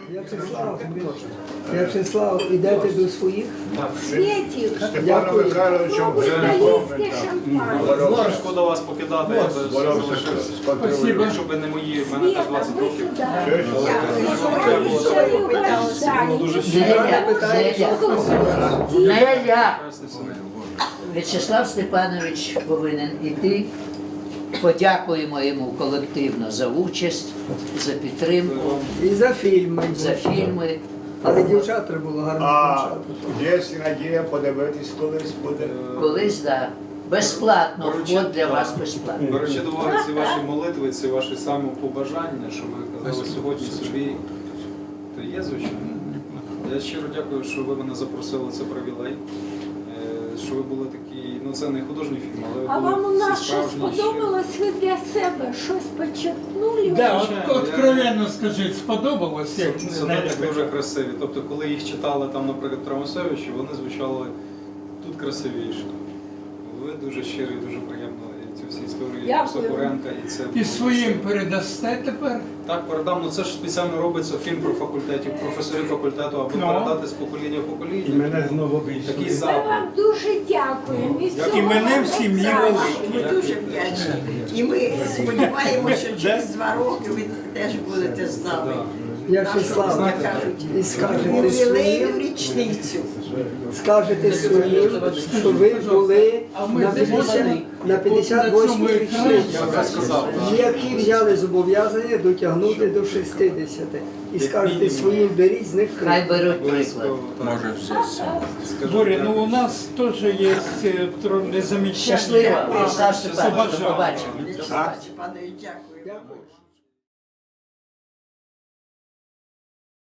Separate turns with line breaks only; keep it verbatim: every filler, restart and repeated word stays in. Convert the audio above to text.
В'ячеслав, В'ячеслав, ідете до своїх?
Світів,
Степана Михайловича вже
українське шампанське.
Дуже шкода вас покидати, я би залишився.
Спасибо.
Якщо б не мої, в мене теж
Світа,
двадцять
ви
років.
сюди.
Дуже
Неля, Неля, Неля.
прекрасний син.
В'ячеслав Степанович повинен іти. Подякуємо йому колективно за участь, за підтримку,
І за фільми.
за фільми.
Але дівчат треба було гарно
А
дівчат.
є надія подивитись колись буде.
Колись, да, безплатно, вход для вас безплатно.
Беручи до уваги ці ваші молитви, ці ваші самопобажання, що ви казали сьогодні собі, то є, звичайно. Я щиро дякую, що ви мене запросили, це привілей. Е, Що ви були такі, ну це не художній фільм, але ви
А
були
вам у
всі
нас щось
справжні, щирі.
сподобалось, ви для себе щось почерпнули?
Да,
Звичайно,
от,
я-
откровенно скажіть, сподобалось, як
Сонети дуже красиві. Тобто, коли їх читали там, наприклад, Трамасевичу, вони звучали тут красивіше. Ви дуже щирі, дуже приємно і ці всі історії
Дякую.
Сокуренка і це
і своїм передасте тепер.
так передам. Ну це ж спеціально робиться фільм про факультетів, професорів факультету, аби
Ну.
передати з покоління в покоління.
І мене знову
Такий
більше.
Ми
запит.
вам дуже дякуємо. І всього
І мене
вам
в сім'ї
найкращого.
великій.
Ми дуже вдячні. І ми сподіваємося, що через два роки ви теж будете з нами.
В'ячеслав,
Знаєте,
і скажете
ювілейну
своїм,
річницю.
скажете своїм, що ви були на п'ятдесят на п'ятдесят восьмій річниці,
Я вже сказав, так.
які взяли зобов'язання дотягнути до шістдесяти. І скажете своїм, беріть з них
Хай
приклад.
беруть приклад.
Може все.
Скажу,
Боря,
я-
ну у нас теж є е, тро- незамічання.
Щасливо, В'ячеслав
Побажання.
Степанович, до побачення.
В'ячеслав Степанович, дякую.
Дякую.